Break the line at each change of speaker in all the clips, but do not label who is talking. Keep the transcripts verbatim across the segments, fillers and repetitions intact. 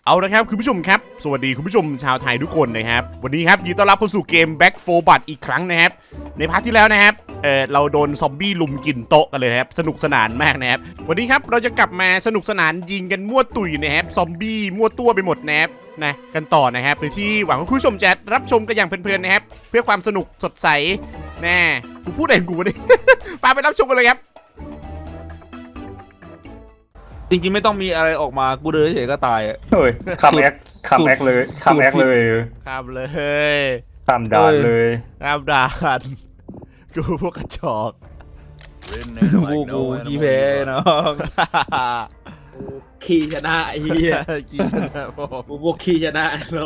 เอาละครับคุณผู้ชมครับสวัสดีคุณผู้ชมชาวไทยทุกคนนะครับวันนี้ครับยินดีต้อนรับเข้าสู่เกม Back โฟร์ Blood อีกครั้งนะครับในพาร์ทที่แล้วนะครับเออเราโดนซอมบี้ลุมกินโต๊ะกันเลยครับสนุกสนานมากนะครับวันนี้ครับเราจะกลับมาสนุกสนานยิงกันมั่วตุ๋ยนะครับซอมบี้มั่วตัวไปหมดนะครับนะกันต่อนะครับโดยที่หวังว่าคุณผู้ชมจะรับชมกันอย่างเพลินๆนะครับเพื่อความสนุกสดใสแน่กูพูดเองกูนี่ ปาไปรับชมกันเลยครับ
จริงๆไม่ต้องมีอะไรออกมากูเดินเฉยๆก็ตายอ่ะ
เฮ้ยคำแอคคำแอคเลยคำแอคเลย
ข้ามเลย
คำด่านเลย
ข้ามด่านกูพวกกระจอก
กูกูยี่แพ้น้อง
ขี่ชนะไอ้เหี้ย
กี่ชนะผม
กูพวกขี่ชนะน้อง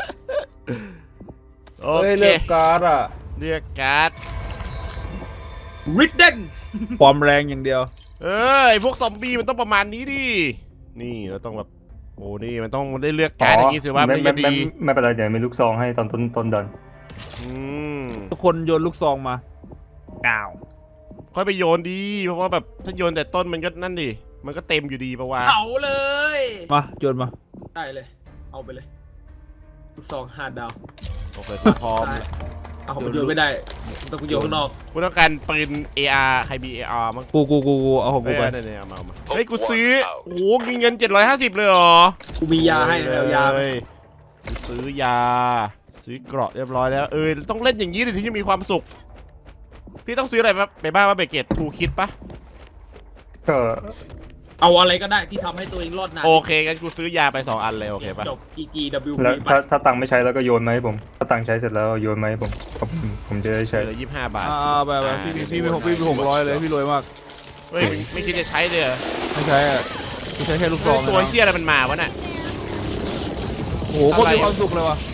โอ
เฮ้ย
เค
เลือกการ์ดอ่ะ
เรียกการ์ด
ริดเดน
ความแรงอย่างเดียว
เออไอพวกซอมบี้มันต้องประมาณนี้ดินี่เราต้องแบบโอ้นี่มันต้องได้เลือกการ์ดอย่างนี้สิว่ามัน
ไม่
จะ
ไม่
ดี
ไม่เป็นไรเดี๋ยวมีลูกซองให้ตอนต้นต้นดัน
อืม
ทุกคนโยนลูกซองมาอ้าว
ค่อยไปโยนดีเพราะว่าแบบถ้าโยนแต่ต้นมันก็นั่นดิมันก็เต็มอยู่ดีปะวะ
เผาเลย
มาโยนมา
ได้เลย เอาไปเลยลูกซองห้าดาว
โอเคกูพร้อม
เอาผมโยนไม่ได้ต้องกูโยนข้างนอก
กูต้องการปืน เอ อาร์ ใครมี เอ อาร์ มั้ง
กูกูกูกูเอาของ
เฮ้
กู
ย
ไป
เนี่ยเอามาเอามาเฮ้ยกูซื้อโอ้โหเงินเจ็ดร้อยห้าสิบเลยเหรอ
กูมียาให้แล้วยาไหม
เลยซื้อยา ซื้อเกราะเรียบร้อยแล้วเออต้องเล่นอย่างนี้ถึงจะมีความสุขพี่ต้องซื้ออะไรไปบ้างว่าเบเกตทูคิดปะ
ก็
เอาอะไรก็ได้ที่ทำให้ตัวเองรอดนาน
โอเคงั้นกูซื้อยาไปสองอันเลยโอเคปะ
จบ จี จี ดับเบิลยู
แล้ว
พี ไป
ถ้าถ้าตังค์ไม่ใช้แล้วก็โยนมาให้ผมถ้าตังค์ใช้เสร็จแล้วโยนมาให้ผมผมผมจะได้ใช้
เหลือยี่สิบห้าบาท
อ่าแบบแบบพี่มีพี่มีหกพี่มีหกร้อยเลยพี่รวยมาก
เฮ้ยไม่คิดจะใช้เลยเหรอ
ไม่ใช่อ่ะกูใช้แค่ลูกซอง
ตัว
นะ
เฮียอะไรมันมาวะน่ะ
โอ้โหโคตรมีความสุขเลยว่ะ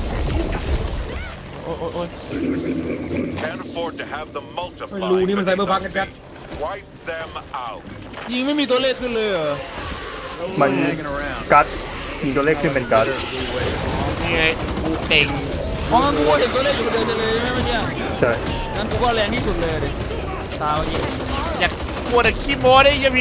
โอ้ยโอ้ยโอ้ย
Can't afford to have them
ไม่
multiply.
รู้นี่มันไซเบอร์พังกันแป๊บ
Wipe them out.
ยิงไม่มีตัวเลขขึ้นเลยเหรอ
มันการ์ดมีตัวเลขขึ้นเป็นการ์ด
นี่ไงกูเก่ง
เพราะงั้นกูก็เห็นตัวเลขอยู่เดินเลยใช่ไหมเมื่อกี้
ใช่
งั้นกูก็แรงที่สุดเลยดิตาเมื่อกี้
อยากกลัวแต่ขี้โม้ได้ยังมี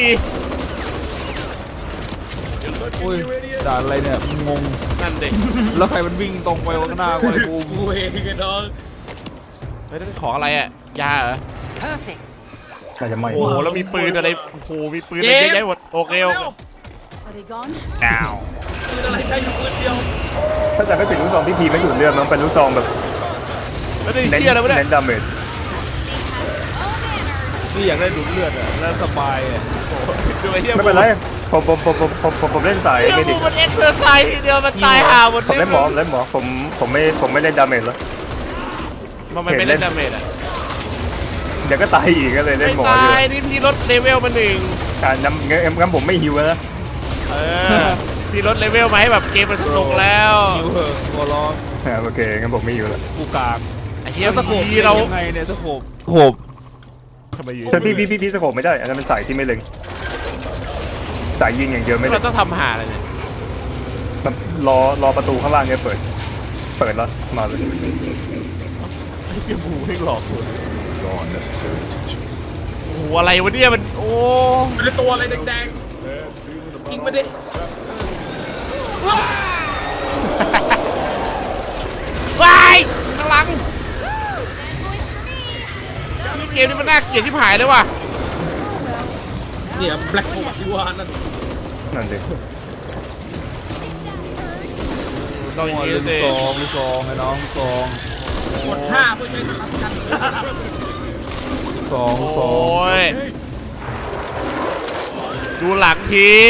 อุ้ยด่านอะไรเนี่ยงง
นั่นเด็ก
แล้วใครมันวิ่งตรงไปข้างหน้ากูไอ้กู
กูเองไอ้น้อง
เฮ้ยนั่นของอะไรอ่ะยาเหรอ
น่าจะไม่
โอ้โหแล้วมีปืนอะไรโอ้โหมีปืนอะไรเยอะแยะหมดโอเคโอเค
Are they gone?
อ้าว
คืออะไรใช้อยู่ปืนเดียว
ถ้าจะไม่เป็นลูกซองที่พีไม่ดูดเลือดมันเป็นลูกซองแบบ
แล้วนี่
เน้น
เฮียอะไรวะเนี่ย
เน้นดาเมจ
นี่อยากได้ดูดเลือดอะแล้วสบายอะ
ดูไอ้เฮีย
ไม่เป็นไรผมผมผมผมผมผมผมเล่นสาย
เฮีย
เมดิ
กู
ก
มันเอ็กซ์เซอร์ไซส์ทีเดียวมันตายห่าหมด
ผมเล่นหมอผมเล่นหมอผมผมไม่ผมไม่เล่นดาเมจแล้ว
มันไม่เล่นดาเมจอ่ะ
เดี๋ยวก็ตายอีกก็เลยเล่
ไม่
นหมอ
ตา
เลย ย
นี่พี่ลดเลเวลมาหนึ่ง
อ่างั้นงั้นงั้นผมไม่ฮิวแล้วนะ
เออพี่ลดเลเวลมาให้แบบเกมมันสนุกแล้ว
หิวเหอะหัวร้อน
อ่าโอเคงั้นผมไม่ฮิวแล้ว
กูกาก
ไอ้เฮีย
แล้วตะโขบ
พี่เรา
ยังไงเนี่ยตะโขบโขบ
ทำไมอยู่
ใช่พี่พี่พี่พี่สโคปไม่ได้อันนั้นเป็นสายที่ไม่เล็งสายยิงอย่างเดียวไม่เล็
เรา
ง
ต้องทำหาอะไรเนี่ย
มันรอรอประตูข้างล่างเนี่ยเปิด เปิดแล้วมาเลย
ไอ้เฮียบูให้หลอกกูโอ้โหอะไรวะเนี่ยมันโอ้
มันเป็นตัวอะไรแดงๆยิงไปดิ
วายข้างหลังนี่เกมนี้มันน่าเกลียดที่หายเลยว่ะ
เนี่ยแบล็คโฮที่ว่านั่น
นั่นสิ
ต้องอย่าง
หัว
นี้
ลูก
สิ
ซองลูกซองไอ้น้องลูกซอง
กดห้าเพื่อใช้สำคัญ
ลูกซองลูกซ
โอ
อง้
ยดูหลังที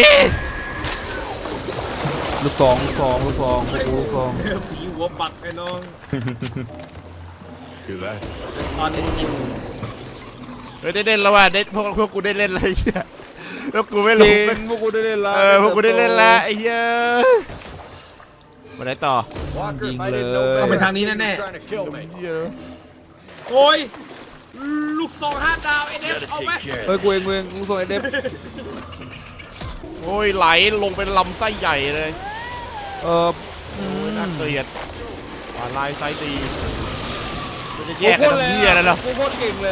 ลูกซองลูกซองลูกซองลูกซอง
ผีหัวปักไอ้น้อง
Do that.
ตอนนี้ยิง
เฮ้ยได้เล่นแล้วว่ะได้พวกพวกกูได้เล่นอะไรเงี้ยแล้วกูไม่
จ
ล
ริ
ง
งพวกกูได้เล่นละ
เออพวกกูได้เล่นแล้วไอ้เหี้ยมาไหนต่อ
ยิงเลย
เข้าไปทางนี้แน่
Trying to kill me.
เหี้ย
ๆโอ้ยลูกซองห้าดาวไอ้เด็ก
Gotta
เอาไหม
take care.
เฮ้ยกูเองกูเองลูกซองไอ้เด็บ
โอ้ยไหลลงเป็นลำไส้ใหญ่เลย
เออ
โอ้ยน่าเกลียดวาลายไส้ดีมันจะแย
กู
ก
โค
กัน
ตร
ทำเหี้ยอะไรเหรอ
กูโคตรเก่งเลย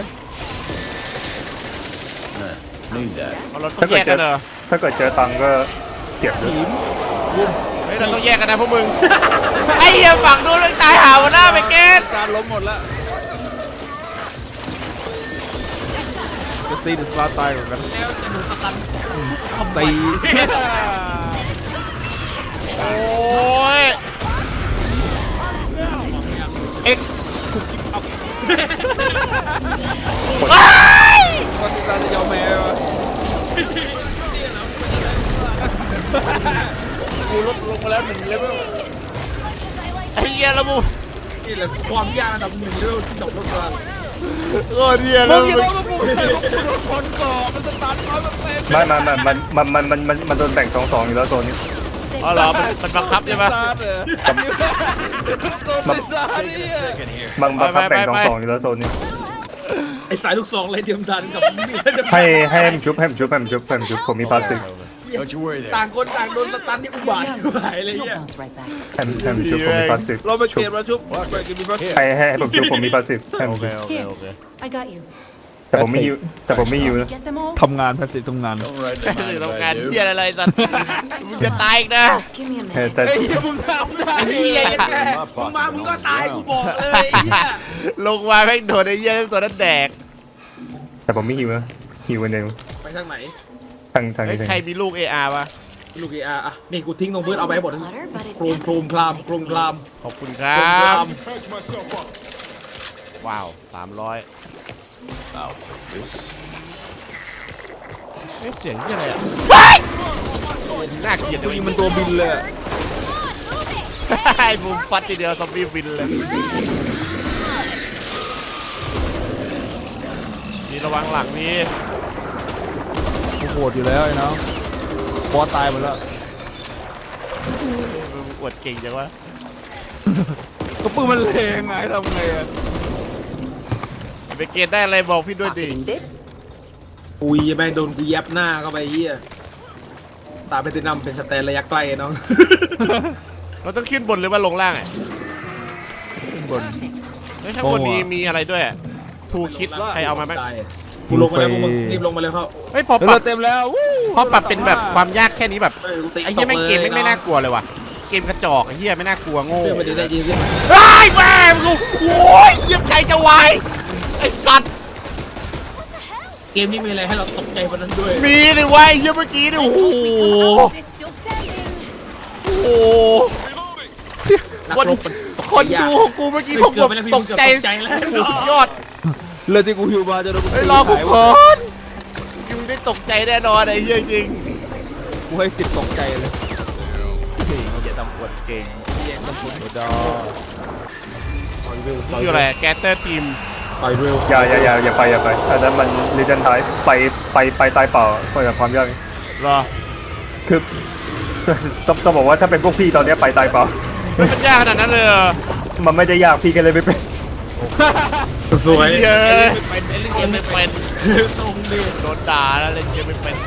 Need that.
เอาเราต้องแยกกันเหรอ
ถ้าเกิดเจอตังค์ก็เก็บเลย
ทีม
เฮ้ยฮ้ยเราต้องแยกกันนะพวกมึงไอ้เหี้ยฝั่งนู้นมันตายหาวันหน้าไปเกต
การล้มหมดแล้วจะตีหรือสลาตายเหมือนกัน
แล้วจะดูสตันทำไม
ตี
โอ้ยเอ็ก
คนที่เราจะยอมแพ้วะกูลดลงมาแล้วหนึ่งเลเวล
ไอ้เหี้ยละมู
นี่แหละความยากอันดับหนึ่งเรื่องที่ดอกรถมา
โอ้เหี้ย
มึ
ละ
ง
มู
คิดว่ามึงเป็นคนก่อมันสตาร์ทร้อยเปอร์เซ็นต์
ไม่มันมันมันมันมันมันมันโดนแบ่งสองสองอยู่แล้วโซนนี้
อ๋อเหรอมันมันบังคับใช่ปะ
มันสตาร์ทเนี่ย
มันบังคับ
ไป
แบ่ง
ไป
สอง
ไป
สองอยู่แล้วโซนนี้
ไอ้สายลูกซองไรเดียมดันกับนี่
ให้ให้ให้มันชุบให้มันชุบให้มันชุบให้มันชุบผมมีพลาสติก
Don't you worry there.
ต่างคนต่างโดนสตันนี่อุบาทหายเลยเนี่ย
Bounce right back.
ให้มันให้มันชุบผมมีพลาสติก
เราไป
ชุ
เก
บ
มแล้วชุบไปกินมีพัก
ให้ให้ให้ผมชุบผมมีพลาสติกให้มันชุบ
Here, I got you.
แต่ผมไม่หิวแต่ผมไม่หิวนะ
Get them all?
ทำงานทัศน์ทำงาน
Don't write
แต่
them
สื่อ
mind
ต้อง
if
การ
I
เหี้ย
do.
อะไรสัตว์มึงจะตายอีกนะ
Give me a
เออ
minute.
แต่
ไอ้เหี้ยมึงทำได้
ไอ้เหี้ยแกมึงมามึงก็ตายกูบอกเลยไอ้เหี้ย
ลงมาแม่งโดนไอ้เหี้ยตัวนั้นแดก
แต่ผมไม่หิวนะหิววันเดียว
ไปทางไหน
ทางทาง
เฮ้ย
นี้ทาง
ใคร
นี้
มีลูก เอ อาร์ ปะ
ลูกเออาร์อ่ะนี่กูทิ้งลงพื้นเอาไปให้หมด
Clutter, but it
โครมโครม
definitely
คลาม
makes
โครม
me
คลาม
ขอบคุณค
โค
รั
รมคลา
บ
ม
Patch myself up.
ว้าวสามร้อย
I'll take this.
เอ๊ะเสียงเหี้ยอะไรอ่ะน่าเกลียด
ตัว
เลย
นี้มันตัวบินเลย
ไอ้บูมฟัดทีเดียวซอมบี้บินเลยนี่ระวังหลังนี่
กูโหดอยู่แล้วไอ้น้องบอสตายหมดแล้ว
มึงอวดเก่งจังวะ
ก็ปืนมันเลงไงทำไงอะ
ไปเกณฑ์ได้อะไรบอกพี่ด้วยดิ
Pocketing this.
อุ้ยแม่งโดนกูแยบหน้าเข้าไปเหี้ยตาไปตินำเป็นสแตนระยะใกล้น้อง
เราต้องขึ้นบนหรือว่าลงล่างอ่ะ
ขึ้นบน
เฮ้ยข้างบนมีมีอะไรด้วยทูคิดใครเอามาไหม
กูลงมาแล้วพวกมึงรีบลงมาเลยเขา
เฮ้ยพอป
เรื
รั
อบ เต็มแล้ววู้
พอปรับเป็นแบบความยากแค่นี้แบบ
เออกูตี
ไอ้เหี้ยแม่งเกมแม่งไม่น่ากลัวเลยว่ะเกมกระจอกไอ้เหี้ยไม่น่ากลัวโง่
เพื่อนมันจะได้ยินขึ้นมา
ไอ้ยแม่งกูโอ้ยเยี่ยมใจจะวายไอ้สัตว์
เกมนี้มีอะไรให้เราตกใจกว่านั้นด้วย
มีเลยเวะไอ้เหี้ยเมื่อกี้นี่โอ้โห
They're still standing.
โอ้โหคนคนดูของกูเมื่อกี้ผมแบบตกใจสุดยอด
เรือที่กูหิวมาจะโดน
ไอ้ยรอกูก่อนยังได้ตกใจแน่นอนไอ้เหี้ยจริง
กูให้สิบตกใจเลย
อย่าทำปวดเก่ง
เย็นตะปุ่นดอ
นี่คืออะไรแกเตอร์ทีม
ต่อยเร็ว
อย่าอย่าอย่าอย่าไปอย่าไปอันนั้นมันรีเจนท้ายไปไปไปตายเปล่าเปิดความยาก
เหรอ
คือ ต้องต้องบอกว่าถ้าเป็นพวกพี่ตอนเนี้ยไปตายเปล่า
มันยากขนาดนั้นเลยเหรอ
มันไม่ได้ยากพี่กันเลยไม่เป็น
สวย
เย้ย
เป็นเล่นเก
เก
ม
ม
ไม่
ไม่
เป็
เป็น น
ตรงดิ
โดนด่าแล้วเล่นเกมไม่เป็น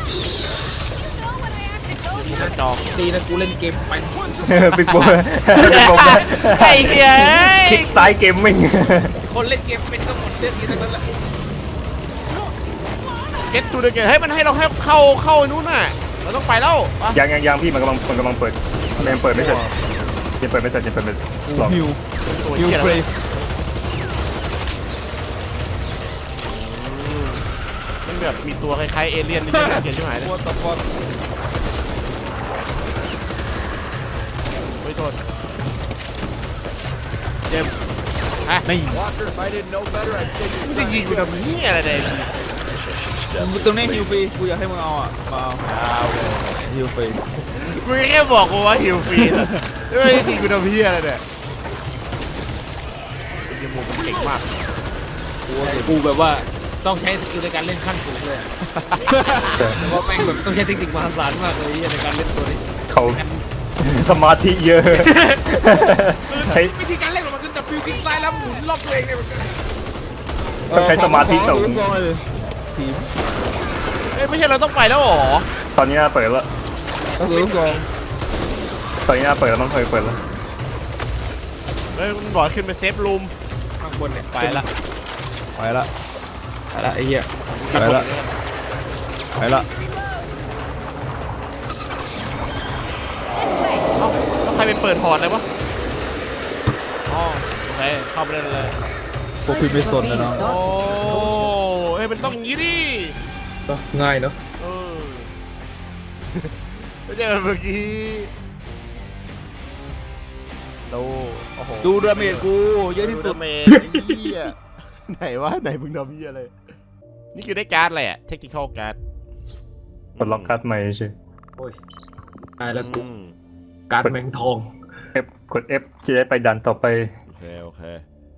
กระจอก
ตีนะกูเล่นเกมเป็น
ปิดโบปิดโบ
ไอ้เหี้ย
คลิกซ้ายเกมมิ่ง
คนเล่นเกมเป็นก็หมดเรื่องนี้ทั้งนั้นแหละ
เก็ตทูเดเกตให้มันให้เราให้เข้าเข้าไอ้นู้นน่ะเราต้องไปแล้วปะ
ยังยังยังพี่มันกำลังมันกำลังเปิดมันยังเปิดไม่เสร็จยังเปิดไม่เสร็จยังเปิดไม่เสร็จลอง
หิว
ตัว
หิว
เหี้ย
เฟร
อะไร
ย์
มันแบบมีตัวคล้ายๆเอเลี่ยนนี่น่าเกลียดใช่ไหม
ตัวต่อตัว
เฮ้ยโทษเจมส์ฮะ
นี่
Walker, if I didn't know better, I'd say
มึง
you
จะยิงกูทำเหี้ยอะไรเนี่ย
ตรงนี้หิวฟรีกูอยากให้มึงเอาอ่ะมาเอาหิวฟรี
มึงแค่บอกกูว่าหิวฟรีนะไม่ได้ยิงกูทำเหี้ยอะไรเนี่ยไอ้เหี้ยมูมันเก่งมาก
กูแบบว่าต้องใช้สกิลในการเล่นขั้นสูงเลยแต่ว่าแม่งแบบต้องใช้เทคนิคมหาศาลมากเลยในการเล่นตัวนี้
เขาสมาธิเยอะใช้
วิธีการเล่นของมันคือจับฟิวคลิกซ้ายแล้วหมุนรอบตัวเองเนี่ยมัน
ต้องใช้สมาธิสูง
ทีม
เอ้ยไม่ใช่เราต้องไปแล้วเหรอ
ตอนนี้เปิดแล้ว
ต้องซื้อลูกกอง
ตอนนี้เปิดแล้วต้องเคยเปิดแล้ว
เฮ้ยมันบอกขึ้นไปเซฟรูม
ข้างบนเนี่ย
ไปละ
ไปละ
ไปละไอ้เหี้ย
ไปละไปละ
เอ้าไปเปิดพอร์ตเลยวะอ๋อโอเคเข้าไปได้เลย
พวกพี่ไม่สนนะน้อง
โอ้เอ้ยมันต้องอย่างนี้ดิ
ก็ง่ายเนาะ
เออไม่ใช่แบบเมื่อกี้ดูโอ้โห
ดูดาเมจกูเยอะที่สุด
เมจเหี้ยไหนวะไหนมึงทำเหี้ยอะไรนี่คือได้การ์ดอะไรอะเทคนิคอลการ์ด
กดล็อกการ์ดใหม่ใช่
โอ้ยตายแล้วกู
อืม
การ์ดแมงทอง
F กด F จะได้ไปดันต่อไป
โอเคโอเค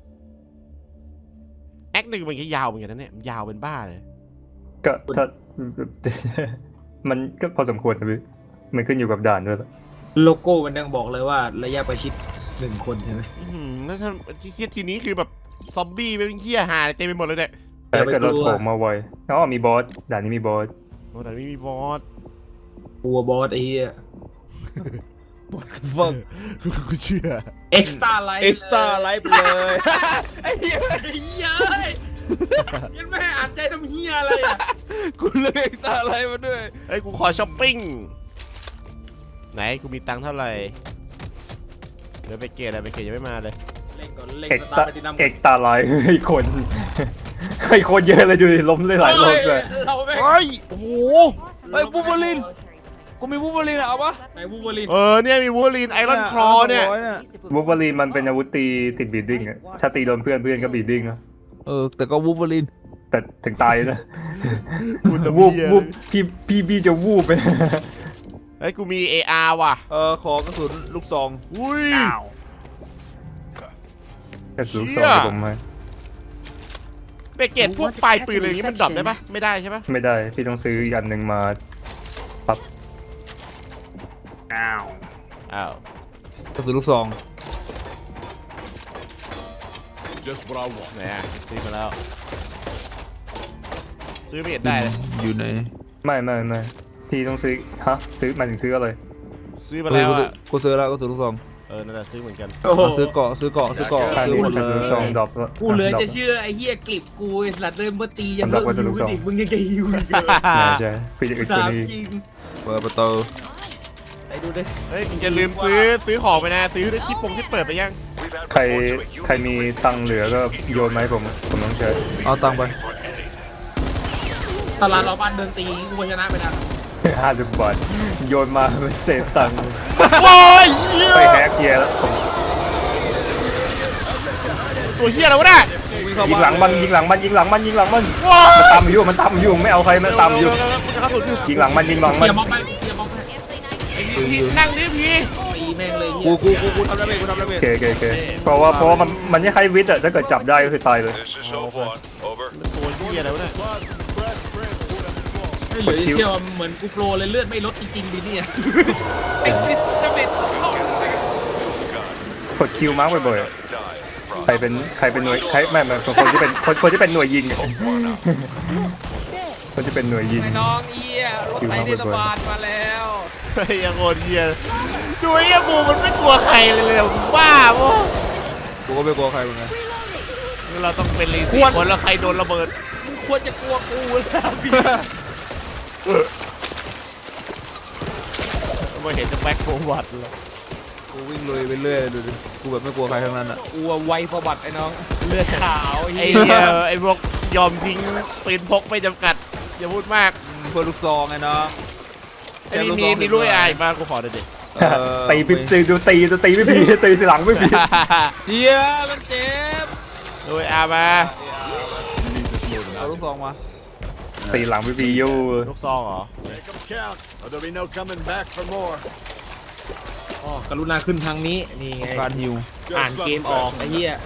แอคหนึ่งมันก็ยาวเหมือนกันนะเนี่ยมันยาวเป็นบ้าเลย
ก็ถ้า มันก็พอสมควรนะพี่มันขึ้นอยู่กับด่านด้วย
โลโก้มันยังบอกเลยว่าระยะประชิดหนึ่งคนใช่ไหม
อื้อหือแล้วถ้าที่เครียดทีนี้คือแบบซอมบี้เป็นเหี้ยหาเต็มไปหมดเลยเนี่ย
แต่ถ้าเกิดเราโถมมาไวอ๋อมีบอสด่านนี้มีบอส
โอ้แต่ไม่มีบอส
กลัวบอสไอ้เหี้ย
ฟัง
กูเชื่อ
เอ็กซ์ตร้าไลท์
เอ็กซ์ตร้าไลฟ์เลย
ไอ้เหี้ยไอ้เหี้ยยังไม่ให้อ่านใจทำเหี้ยอะไรอ่ะ
กูเลือกเอ็กซ์ตร้าไลฟ์มาด้วย
เอ้ยกูขอช้อปปิ้งไหนกูมีตังค์เท่าไหร่เดี๋ยวไปเกตอะไรไปเกตยังไม่มาเลย
เล่นก่อนเล่น
เอก
ส
ตา
ตาร์ไปที่น้ำ
เอกตาไลท์ไอ้คนไอ้คนเยอะเลยดูดิล้มเลยหลายรอบเลย
เราไม่
เฮ้ยโอ้โห
เฮ้ยบูเบอลินกูมีบูเบอลินอะเอาปะ
ไหนวูล์ฟเวอรีน
เออเนี่ยมีวูลีนไอรอนคลอเนี่ย
วูล์ฟเวอรีนมันเป็นอาวุธตีติดบีดดิ้งอะถ้าตีโดนเพื่อนเพื่อนก็บีดดิ้งนะ
เออแต่ก็บูเบอลิน
แต่ถึงตายนะ
กูจะ
วูบ
เหี้ย
วูบพี่พี่พี่จะวูบไป
เฮ้ยกูมี เอ อาร์ ว่ะ
เออขอกระสุนลูกซอง
อุ้ย
กระสุน
เชี่
สอง
ย
ให้ผมให้
ไปเกตพวกปลายปืนอะไรอย่างงี้มันดรอปได้ปะไม่ได้ใช่ปะ
ไม่ได้พี่ต้องซื้ออีกอันหนึ่งมาปั๊บอ้าว
อ้าว
กระสุนลูกซอง
Just what I want.
ไหนอะซื้อมาแล้ว ซื้อไม่เห็นได้เลย
อยู่ไหน
ไม่ไม่ไม่พี่ต้องซื้อฮะซื้อหมายถึงซื้ออะไร
ซื้อมาแล้วอะ
กูซื้อแล้วกระสุนลูกซอง
เออนั่นแหละซื้อเหมือนกัน
โอ้โห
เอาซื้อเกาะซื้อเกาะซื้อเกาะ
ค่า
ซื้อ
นี้
หมด
ก
เล
ระสุน
ย
สองดรอปแล้ว
กูเหลือ
ดรอป
จะเชื่อไอ้เหี้ยกลิบกูไอ้สัตว์เดินมาตียัง
สำหรับ
เพิ่
วั
ง
ตถุ
ฮิว
ลูกศร
อีกมึงยังจะฮิวอีกเหรอ
ใช่ใช่พี่จะอึดก
ถา
ว่าม นี้
จริง
เปิดประตู
ไปดูดิ
เฮ้ยมึงจะลืมซื้อซื้อของไปนะ ซื้อที่ปงที่เปิดไปยัง
ใครใครมีตังค์เหลือก็โยนมาให้ผมผมต้องใช้
เอาตังค์ไป
ตลาดเราบ้านเดินตีกูชนะไปนะ
ห้าสิบบาทโยนมาเป็นเศษตังค์
โอ้ยเหี้ย
ไปแฮกเกียร์แล้วผม
ตัวเหี้ยอะไรวะเนี่ย
ยิงหลังมันยิงหลังมันยิงหลังมันยิงหลังมัน
ว้า
มันตามอยู่มันตามอยู่ไม่เอาใครมันตามอยู่
เร็วๆๆๆกูจะเข้าสู่ที่
ยิงหลังมันยิงหลัง
เกี
มัน
ยร์มองไปเกียร์มองไป
พี่นั่งดิพี่
ตีแม่งเลย
กูกูกูกูทำดาเมจกูทำดาเม
โอ
จ
เคโอเคโอเคเพราะว่าเพราะว่ามันมันไม่ใช่วิทย์อะถ้าเกิดจับได้ก็คือตายเลย
This is Hope One. Over.
ตัวเหี้ยอะไรวะเนี่ย
ไม่เหลือเชื่อว่าเหมือนกูโปรเลยเลือดไม่ลดจริงๆดิเนี่ยไอ้ฟิตจะเป็น
กดคิวมาร์กบ่อยๆอะ
Die.
ใครเป็นใครเป็นหน่วยใครไม่ไม่คนที่เป็นคนคนที่เป็นหน่วยยิงอะคนที่เป็นหน่วยยิง
ไอ้น้องเอี้ยรถไฟเทศบาลมาแล้ว
เฮ้ยยังโคตรเหี้ยดูไอ้เหี้ยบูมันไม่กลัวใครเลยเลยมึงบ้าปะ
กูก็ไม่กลัวใครเหมือนกัน
เราต้องเป็นลีสี่คนแล้วใครโดนระเบิด
มึงควรจะกลัวกูแล้วพี่
ไม่เห็นจะแบ็คโฟวัดเลย
กูวิ่งลุยไปเรื่อยดูดิกูแบบไม่กลัวใครทั้งนั้นอ่ะ
กลัวไวประวัติไอ้น้องเลือดขาว
ไอ้เหี้ยไอ้พวกยอมทิ้งปืนพกไม่จำกัดอย่าพูดมาก
เพื่อลูกซองไงเนาะ
ไอ้นี่มีมีลุยอายมากูขอหน่อยดิ
ตีพี่ตีดูตีดูตีไม่พีตีทีหลังไม่พี
เฮียมันเจ็บ
ลุยอามา
เอาลูกซองมา
ตีหลังไม่พีอยู่
ลูกซองเหรอ
Make them count, or there'll be no coming back for more.
อ๋อกรุณาขึ้นทางนี้นี่ไง
การฮิว
อ่านเกมออกไอ้เหี้ย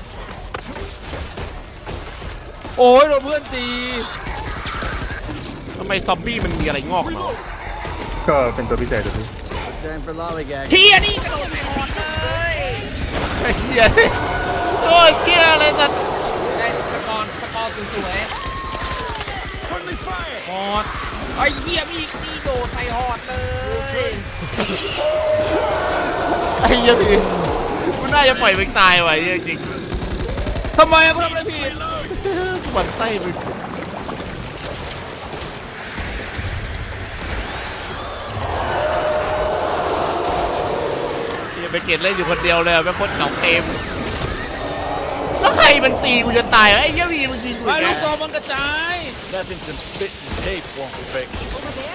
โอ้ยโดนเพื่อนตี
ทำไมซอมบี้มันมีอะไรงอกเนาะ
ก็เป็นตัวพิเศษตัวพี่
Time for lollygag.
เฮียนี่กระโดดไปหมดเลย
ไอ้เหี้ยโอ้ยเหี้ยอะไรสัตว์
ได้สกอร์สกอร์สวย
Friendly fire.
ๆฮอดไอ้เหี้ยมีนี่โดดใส่ฮอดเลย
ไอ้เหี้ยพี่กูน่าจะปล่อยมันตายว่ะไอ้เหี้ยจริง
ทำไมอะกูทำอะไรผิด
หมันไส้มึงเหี้ยไปเกตเล่นอยู่คนเดียวเลยไปโคตรเก่าเกมแล้วใครมันตีกูจะตายวะไอ้เหี้ยวีมันยิงกู
ไอ้
อีก
ลู
แล้
ก
ว
ซองมันกระจาย
Nothing some spit and tape won't fix.
Over there?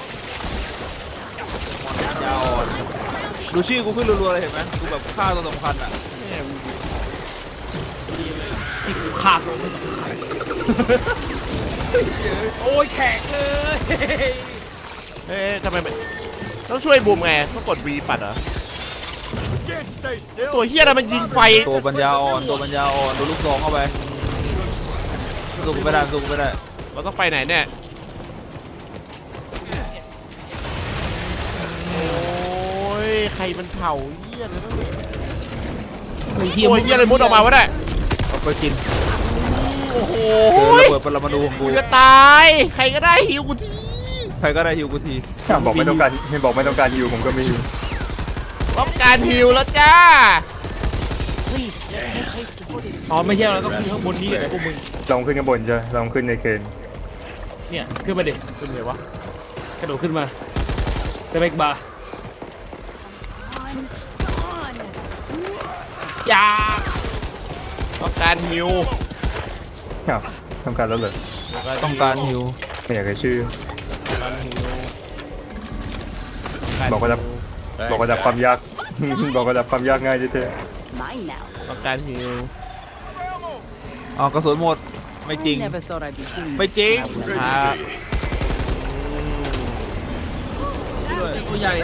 ยาอ่อนดูชื่อกูขึ้นรัวๆเลยเห็นไหมกูแบบฆ่าตัวสำคัญอ่ะ
ที่กูฆ่าตัวไม่สำคัญโอ้ยแขกเลย
เอ๊ะทำไมมันต้องช่วยบูมไงต้องกด V ปัดเหรอ
Can't stay still.
ตัวเฮียอะไรมันยิงไฟ
ตัวปัญญาอ่อนตัวปัญญาอ่อนดูลูกซองเข้าไปสู้กูไม่ได้สู้กูไม่ได้
เราต้องไปไหนเนี่ยโอ้ยใครมันเผาเฮียเลยต้อง
ไอ้เหี้ย
โอ้ยเฮียอะไรมุดออกมาวะเนี่ย
เอาไปกิน
โอ้โห
เจอระเบิดปรมาณูของกู
กูจะตาย ใครก็ได้หิวกูที
ใครก็ได้ฮิวกูที
ถ้าบอกไม่ต้องการไม่บอกไม่ต้องการฮิวผมก็ไม่ฮิว
ต้องการหิวแล้วจ้า
Please, let's make haste before they
อ๋อไม่ใช่เราต้องขึ้นข้างบนนี้เหรอพวกมึง
ลองขึ้นข้างบนใช่ไหมลองขึ้นในเคน
เนี่ยขึ้นมาดิ
เป็นไงวะ
กระโดดขึ้นมาเตะเบกบาร์
on.
ยา
ต้องการหิว
อ้าวต้องการแล้วเหรอ
ต้องการฮิว
ไม่อยากให้ชื่อ
ต้องการหิว
บอกว่าจะ บอกว่าจะความยาก บอกว่าจะความยากง่ายเท่
Mine now.
ต้องการหิว
อ๋อกระสุนหมดไม่จริง
Never thought I'd be doing
ไม่จริง
ครับ
ตัวใหญ่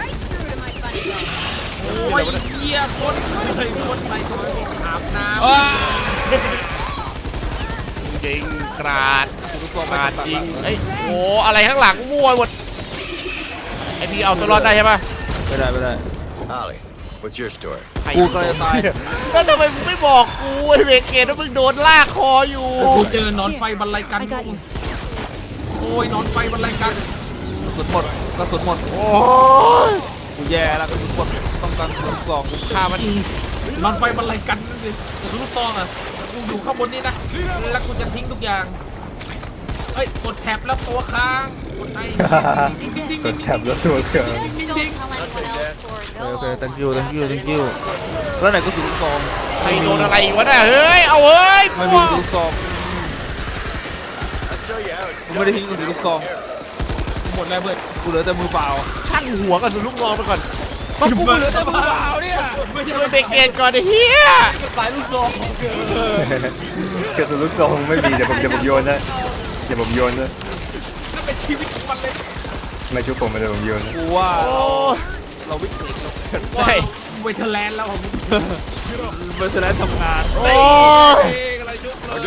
โอ้ยเหี้ยคนเลยคนใส่ตัวอาบน้ำ
จริงกราดกราดจริงเอ้ยโอ้อะไรข้างหลังมั่วหมดไอพี่เอาตัวรอดได้ใช่ปะ
ไม่ได้ไม่ได้
Holly, what's your story?
กูก็จะตาย
แล้วทำไมมึงไม่บอกกูไอเวเกตว่ามึงโดนลากคออยู่
กูเจอนอนไฟบรรลัยกัน
I got you.
โอ้ยนอนไฟบรรลัยกัน
กระสุนหมดกระสุนหมด
โอ้ย
กูแย่แล้วกระสุนหมดต้องการลูกซองกู
ฆ่ามัน
นอนไฟบรรลัยกันนั่นสิแต่ลูกซองอ่ะกูอยู่ข้างบนนี่นะแล้วกูจะทิ้งทุกอย่างเฮ้ยกดแท็บแล้วตัวค้างกดไอ้ทิ้งทิ้งทิ้ง
ๆก
ทิ้
ด
ง
แถบแล้วตัวเครื่อง
ทิ้งทิ้ง
โอเค thank you thank you thank you แล้วไหนกระสุนลูกซอง
ใครโดนอะไรวะเนี่ยเฮ้ยเอาเฮ้ย
ไม่มีกระสุนลูกซอง
I'll show you how it's
กูไม่ได้ทิ้งกระสุนลูกซอง
หมดแล้วเพื่อน
กูเหลือแต่มือเปล่า
ช่างหัวกับสุนลูกน้องไปก่อน
ก็กูเหลือแต่มือเปล่าเนี่ย
ไม่ใช่
ช่วยเบรกเกตก่อนไอ้เหี้ย
สายลูกซอง
กระสุนลูกซองไม่มีเดี๋ยวผมเดี๋ยวผมโยนนะเดี๋ยวผมโยนนะ
นั่นเป็นชีวิตของมันเลย
ไม่ชุบผมไม่เดี๋ยวผมโยนนะ
กูว่า
โอ้
เราวิกฤตแล้ว
ใช่
เวทเทอร์แลนด์แล้วผม
เบอร์เซเลนทำงาน
โอ้ย
เองอะไรชุบเลย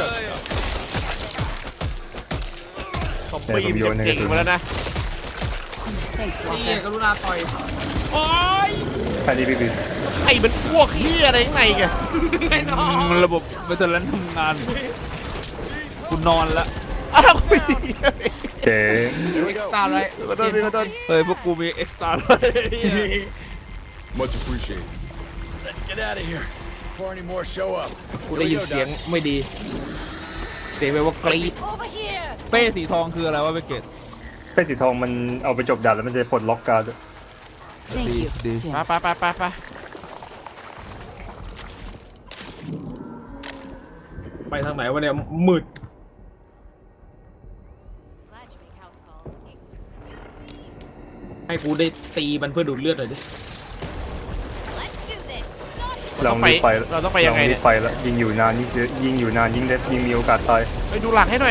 ซอมบี้มันเก่งมาแล้วนะ
Thanks,
นี่
Walker.
กรุณาต่อยโอ้ย
แค่นี้พี่พี่
ไอ้มันพวกเหี้ยอะไรข้างในแก
ไอ้น้อง
มันระบบเบอร์เซเลนทำงานกูนอนละ
อ้าวไม่ดี
เจ๊
เอ็กซ์ตร้าเลย
ขอโทษพี่ขอโทษ
เฮ้ยพวกกูมีเอ็กซ์ตร้าเลย
much appreciated. Let's get out of here before any more show up.
กูได้ยินเสียงไม่ดีเสียงแบบว่ากรี๊ด
Over here.
เป้สีทองคืออะไรวะเบเกต
เป้สีทองมันเอาไปจบด่านแล้วมันจะปลดล็อกการ์ด
Thank you,
Đi.
Jim.
ไปไปไปไปไป
ไปทางไหนวะเนี่ยมืดให้กูได้ตีมันเพื่อดูดเลือดหน่อยดิ
เรารีบไป
เราต้องไปยังไง
รี
เนี่ย
บไปแล้วยิงอยู่นานยิ่งเยอะยิงอยู่นานยิ่งเด็ดยิ่งมีโอกาสตาย
ไปดูหลังให้หน่อย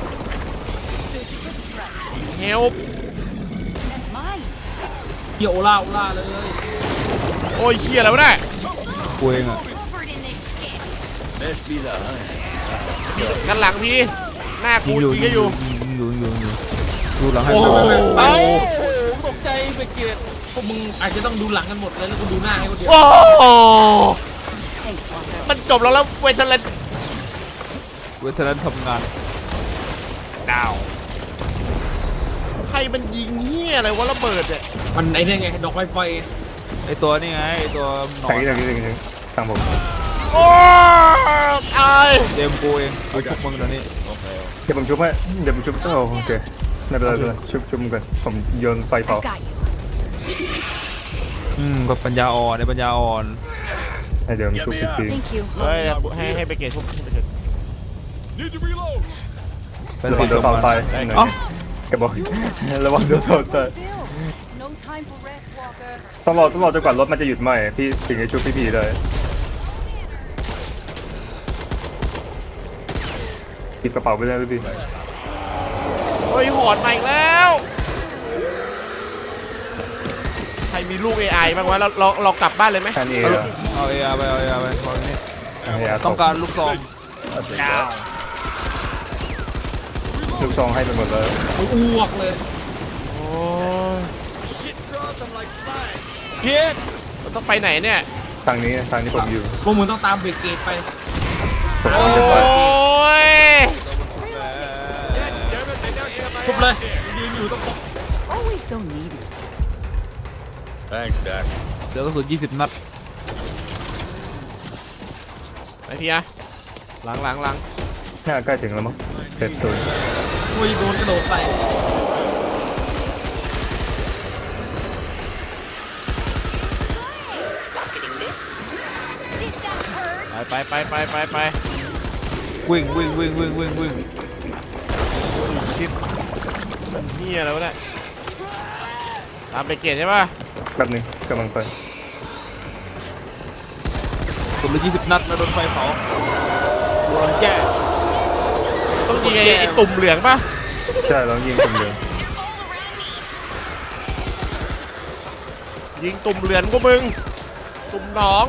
เฮล
Mine.
เกี่ยวโอล่าโอล่าเลย
โอ้ยเหี้ยอะไรวะเนี่ย
กูเองอ่ะ
Must be the hunt.
กันหลังพี่หน้ากู
ยิงอยู่
ยิงก็อยู่
ยิงอยู่ยิงอยู่ยิงอยู่ดูหลังให้
โอ้
ดู
โห
เอ้า
ตกใจไปเกลียดพวกมึงอาจจะต้องดูหลังกันหมดเลยแล้วกูดูหน้าให้คนเดียว
โอ้โห
Thanks, Walker.
มันจบแล้วแล้วเวทเลน
เวทเทอร์เลนทำงาน
ดาวใครมันยิงเหี้ยอะไรวะระเบิดเนี่ย
มันไอ้นี่ไงดอกไฟไฟ
ไอตัวนี่ไงไอตัวหนอ
ทาง
น
นี้ทางนี้ทางนี้ทางผม
โอ้ยตาย
เดมกูเองกูชุบมึงตอนนี้
เดี๋ยวผมชุบให้เดี๋ยวผมชุบโอ้โอเคไม่เป็นไรไม่เป็นไรชุบชุบมึงก่อนผมโยนไฟเผา
I got you.
อืมก็ปัญญาอ่อนในปัญญาอ่อน
ใ
ให้เดี๋ยวมันชุบอีกที
Thank you.
เฮ้ยให้ให้ไปเกตชุบให้ไปเกต
Need to reload.
เป็น
ระวั
สี
งโด
ตัวน
เต่า
มัน
ตายหน่อยแกบอกระวังโดนเต่าตาย
No time for rest, Walker.
ต้องรอต้องรอจนกว่ารถมันจะหยุดไหมพี่ถึงจะชุบพี่พีได้หยิบกระเป๋าไปเลยพี่
เฮ้ยหอนมาอีกแล้ว ใครมีลูก เอ ไอ บ้างวะเราเราเรากลับบ้านเลยไหม
แค่นี้
เอาเออาไปเอาเออาไปตอนนี้
ต้
ต้
อ
อง ง
การ
การลูกซอง
ลูกซองให้ไปหมดเลย
โอ้ยอ้วกเลย
โอ้ย
Shit draws them like flies.
เพี้ยน
เราต้องไปไหนเนี่ย
ทางนี้ทางที่ผมอยู่
พวกมึงต้องตามเบรกเกตไป
ผม
โอ้
จะไป
ย
ทุบเลยยืนอยู่ต้อง
Always so needy.
Thanks, Dak.
เดี๋ยวกระสุนยี่สิบนัด
ไปพี่อะหลังหลังหลัง
น่าใกล้ถึงแล้วมั้งเซฟโซน
โอ้ยโดนกระโดดใส่
ไปไปไปไปไป
วิ่งวิ่งวิ่งวิ่งวิ่งวิ่ง
ชิปเฮียอะไรวะเนี่ยตามไปเกตใช่ป่ะ
แป๊บนึงกำลังไป
กระสุนละยี่สิบนัดแล้วโดนไฟเผาโดนแก้
ต้องยิงไอ้ไอ้ตุ่มเหลืองป่ะ
ใช่เรายิงคนเดียว
ยิงตุ่มเหลืองก็มึงตุ่มหนอง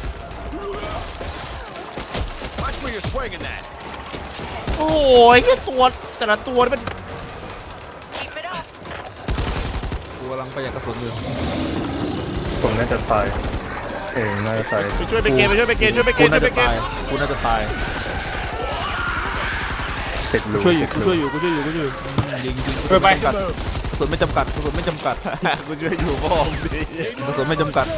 Watch where you're swinging that.
โอ้ยแค่ตัวแต่ละตัวนี่มัน
กูกำลังประหยัดกระสุนอยู่
ผมน่าจะตายเองน่าจะตาย
ไปช่วยไปเกตไปช่วยไปเกตช่วยไปเก
กู
ตช่
น่า
วยไป
จะ
เกต
ตายกูน่าจะตาย
ติดรู
ช่วยอยู่
ติ
กู
ดรู
ช่วยอยู่กูช่วยอยู่กูช่วยอยู่อืมยิงยิง
ไปไป
กระสุนไม่จำกัดกระสุนไม่จำกัด
กูช่วยอยู่พ่อมดิ
กระสุนไม่จำกัด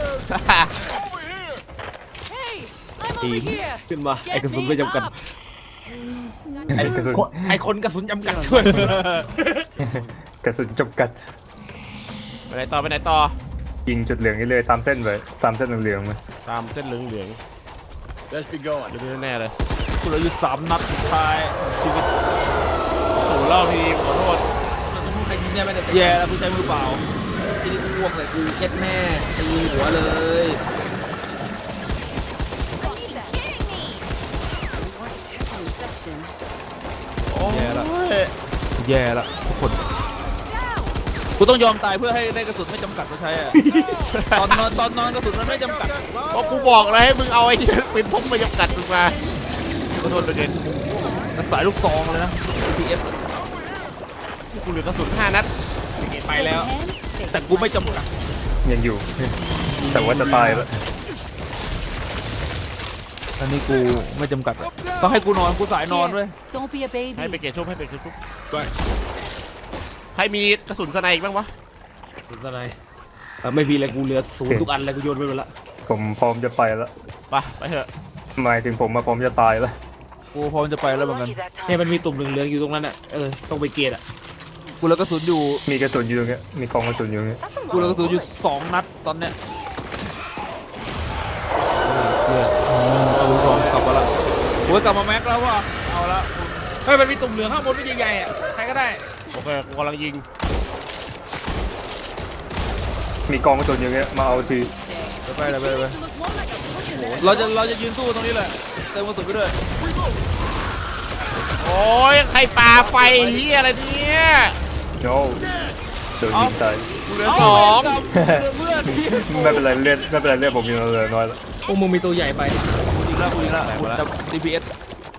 Hey, I'm over
Team.
here.
ขึ้นมา
Get
ไอ้กระสุนไม่จำกัด
me up.
ไอ้กระสุน
ไอ้คนกระสุนจำกัดช่วย
กระสุนจบกัด
ไปไหนต่อไปไหนต่อ
ยิงจุดเหลืองนี่เลยตามเส้นไปตามเส้นเหลืองๆมา
ตามเส้นเหลืองเหลือง
Let's be going.
เดี๋ยวแน่เลย
กูเหลืออยู่สามนัดสุดท้ายชีวิต
สูเล่าทีขอโทษ
มันจะพูดใครยิงได้ไหมเนี่ย
แย่แล้วกูใช้มือเปล่า
ทีนี้กูอ้วกใส่กูเช็ดแม่ตีหัวเลย
Infection.
แย่แล้ว
โอ้ย
แย่แล้วทุกคนกูต้องยอมตายเพื่อให้ได้กระสุนไม่จำกัดมาใช้อะ ตอนนอนตอนนอนกระสุนมันไม่จำกัด
ก็กูบอกเลยให้มึงเอาไอ้เหี้ยปืนพกมาจำกัดมึงมาขอโทษด้วยเกต
สายลูกซองเลยนะ ที เอส
กูเหลือกระสุนห้านัด
ไปแล้ว
Hands, stay
แต่กูไม่จำกัด
ยังอยู่ แต่ว่าจะตายแล้ว
อันนี้กูไม่จำกัดอะต้องให้กูนอนกูสายนอนด้วย
Don't be a
ให้ไป
baby.
เกตชุบให้ไปเกตชุบ
Thanks.
ใครมีกระสุนสไนอีกบ้างวะ
สุดอะไรเออไม่มีอะไรกูเหลือศูนย์ทุกอันเลยกูโยนไปหมดละ
ผมพร้อมจะไปแล้ว
ไปไปเถอะ
หมายถึงผมมาพร้อมจะตายแล้ว
กูพร้อมจะไปแล้วเหมือนกัน
เนี่ยมันมีตุ่มเหลืองๆอยู่ตรงนั้นอ่ะเออต้องไปเกตอ่ะ
กูเหลือกระสุนอยู่
มีกระสุนอยู่ตรงเนี้ยมีกองกระสุนอยู่ตรงเนี้ย
กูเหลือกระสุนอยู่สองนัดตอนเนี้ยเอาลูกซองกลับมาละกูกลับมาแม็กแล้วว่ะเอาละ
เฮ้ยมันมีตุ่มเหลืองข้างบนไม่ใหญ่ๆอ่ะใครก็ได้
โอเคกูกำลังยิง
มีกองกระสุนอยู่ตรงเนี้ยมาเอาที
ไปเลยไปเลยไปเลยเราจะเราจะยืนสู้ตรงนี้แหละเติมกระสุนไปด้วย
โอ้ยใครปาไฟเฮียอะไรเนี่ย
โน้โดนยิงตาย
กูเหลือสอง
เพื่อนพี่
ไม่เป็นไรเลือดไม่เป็นไรเลือดผมยังเหลือน้อยแล้ว
พวกมึงมีตัวใหญ่ไป
อีกแล้วอีกแล้วจับ ดี พี เอส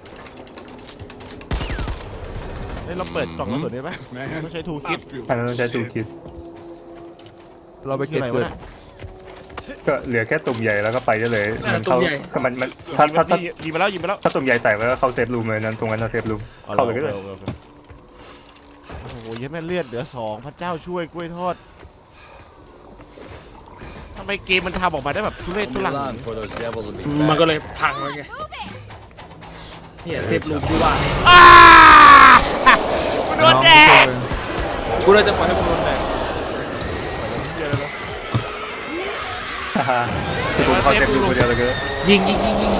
เฮ้ยเราเปิดกล่องกระสุนได้ปะ
Man,
ต้องใช้ทูคิด
I feel
อันนั้นต้องใช้ตูคิด
เราไป
คือ
เก็บ
อะไร
เกิ
วะ
ด
เนี่ย
ก็เหลือแค่ตุ่มใหญ่แล้วก็ไปได้เลย
นั่น
มั
น่ะ
เข้า
ตุ่มใหญ่
ก็มันมันถ้าถ้าถ้า
ยิงไปแล้วยิงไปแล้ว
ถ้าตุ่มใหญ่แตกแล้วก็เข้าเซฟรูมเลยนั้นตรงนั้นน่ะเซฟรูมเข้าเลยก็ได้
โอคโอเคโอ้โหเยัดแม่เลือดเหลือสองพระเจ้าช่วยกล้วยทอดทำไมเกมมันทำออกมาได้แบบทุเรศ
I'll
ทุ
be
ลัง
long for those devils to be
มันก็
back.
เลยพังไปไงเนี่ยเซฟรูมที่ว่าเนี่ย
อ้ากูโดนแดก
กูเลยจะปล่อยให้มึงโดนแดก
ฮ่าฮ่าคือผมเข้าเต็มอยู่คนเดียวเลยก็
ยิงยิงยิงยิง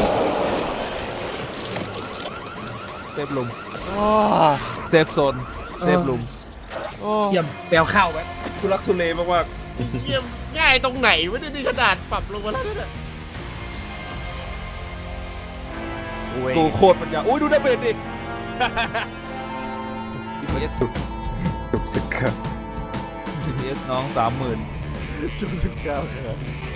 เซฟลุม
โอ้
เซฟโซนเซฟลุม
โอ้
เยี่ยมแปลวข้าวไว้ทุลักทุเลมาก
เยี่ยมง่ายตรงไหนวะเนี่ยนี่ขนาดปรับลงมาแล้วเนี่ยโอ้ย
กูโคตรปัญญาอุ้ยดูดาเมจดิ ดี พี เอส
จุบสึกครับ
ดี พี เอส น้องสามหมื่น
ชุดสิบเก้าครับ